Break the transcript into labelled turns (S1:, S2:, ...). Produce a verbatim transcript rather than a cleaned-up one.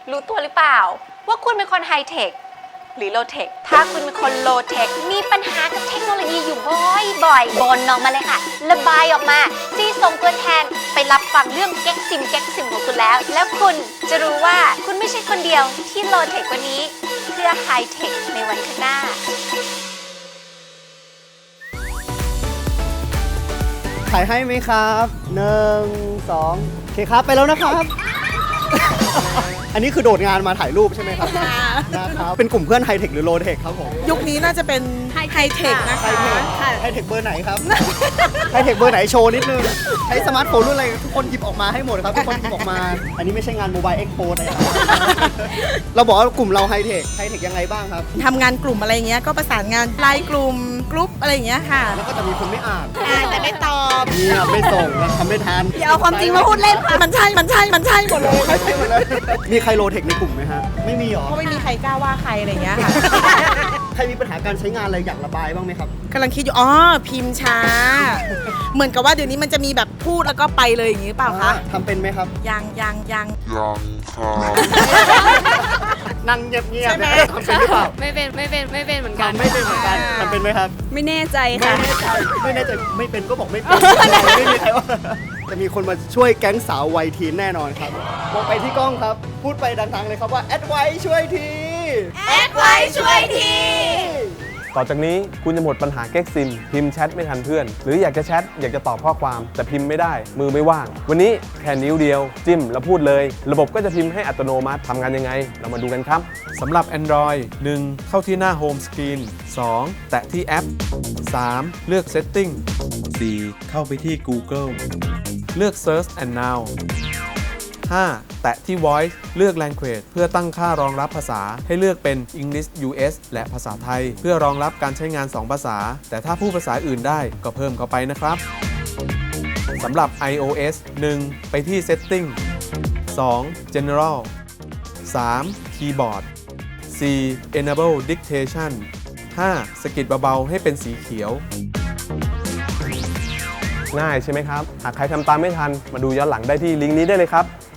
S1: รู้ตัวหรือเปล่าว่าคุณเป็นคนไฮเทคหรือโลเทคถ้าคุณเป็นคนโลเทคมีปัญหากับเทคโนโลยีอยู่บ่อยๆบ่นออกมาเลยค่ะระบายออกมาซีส่งตัวแทนไปรับฟังเรื่องแก๊กซิมแก๊กซิมของคุณแล้วแล้วคุณจะรู้ว่าคุณไม่ใช่คนเดียวที่โลเทคกว่านี้เพื่อไฮเทคในวันข้างหน้า
S2: ถ่ายให้ไหมครับหนึ่งสองโอเคครับไปแล้วนะครับ อันนี้คือโดดงานมาถ่ายรูปใช่ไหมครับนะครับเป็นกลุ่มเพื่อนไฮเทคหรือโลเทคครับผม
S3: ยุคนี้น่าจะเป็นไฮเทคนะ
S2: ไฮ
S3: คะ
S2: เทคไฮเทคเบอร์ไหนครับ ไฮเทคเบอร์ไหนโชว์นิดนึงใช้สมาร์ทโฟนรุ่นอะไรทุกคนหยิบออกมาให้หมดครับทุกคนหยิบออกมา อันนี้ไม่ใช่งานโมบายเอ็กโปนะครับ เราบอกว่ากลุ่มเราไฮเทคไฮเทคยังไงบ้างครับ
S3: ทำงานกลุ่มอะไรเงี้ยก็ประสานงานไลน์กลุ่มกรุ๊ปอะไรอย่างเงี้ยค่ะ
S2: แล้วก็จะมีคนไม่อ่าน
S3: อ่านแต่ไม่ตอบ
S2: เงียบไม่ส่งทำไม่ทัน
S3: อย่าเอาความจริงมาพูดเล่นค่ะมันใช่มันใช่มันใช่หมดเลย
S2: ไม่ใช่หมดเลยมีใครโลเทคในกลุ่มไหมฮะไม่มีหรอ
S3: เพราะไม่มีใครกล้าว่าใครอะไรเงี้ยค่ะ
S2: ใครมีปัญหาการใช้งานอะไรอยากระบายบ้างไหมครับ
S3: กำลังคิดอยู่อ๋อพิมพ์ช้า เหมือนกับว่าเดี๋ยวนี้มันจะมีแบบพูดแล้วก็ไปเลยอย่างนี้เปล่าคะ
S2: ทำเป็นไหมครับ
S3: ยังยังยัง
S4: ยังครับ
S2: นั่งเงียบๆทำเป็นหรือเปล่า
S1: ไม่เป็นไม่เป็นไม่เป็นเหมือนกัน
S2: ทำไม่เป็นเหมือนกันทำเป็นไหมครับ
S1: ไม่แน่ใจ
S2: ไม่
S1: ค่ะ
S2: แน่ใจไม่แน่ใจไม่เป็นก็บอกไม่เป็นไม่มีใครว่าจะมีคนมาช่วยแก๊งสาววัยทีนแน่นอนครับมองไปที่กล้องครับพูดไปดังๆเลยครับว่าแอดไว้ช่วยที
S1: แอดไว้ช่วยที
S5: ต่อจากนี้คุณจะหมดปัญหาแก๊กซิมพิมพ์แชทไม่ทันเพื่อนหรืออยากจะแชทอยากจะตอบข้อความแต่พิมพ์ไม่ได้มือไม่ว่างวันนี้แค่นิ้วเดียวจิ้มแล้วพูดเลยระบบก็จะพิมพ์ให้อัตโนมัติทำงานยังไงเรามาดูกันครับสำหรับ Android หนึ่ง เข้าที่หน้า Home Screen สอง แตะที่แอป สาม เลือก Setting สี่ เข้าไปที่ Google เลือก Search and Now ห้า แตะที่ Voice เลือก Language เพื่อตั้งค่ารองรับภาษาให้เลือกเป็น English ยู เอส และภาษาไทยเพื่อรองรับการใช้งานสองภาษาแต่ถ้าพูดภาษาอื่นได้ก็เพิ่มเข้าไปนะครับสำหรับ iOS หนึ่ง ไปที่ Setting สอง General สาม Keyboard สี่ Enable Dictation ห้า สะกิดเบาๆให้เป็นสีเขียวง่ายใช่ไหมครับหากใครทำตามไม่ทันมาดูย้อนหลังได้ที่ลิงก์นี้ได้เลยครับ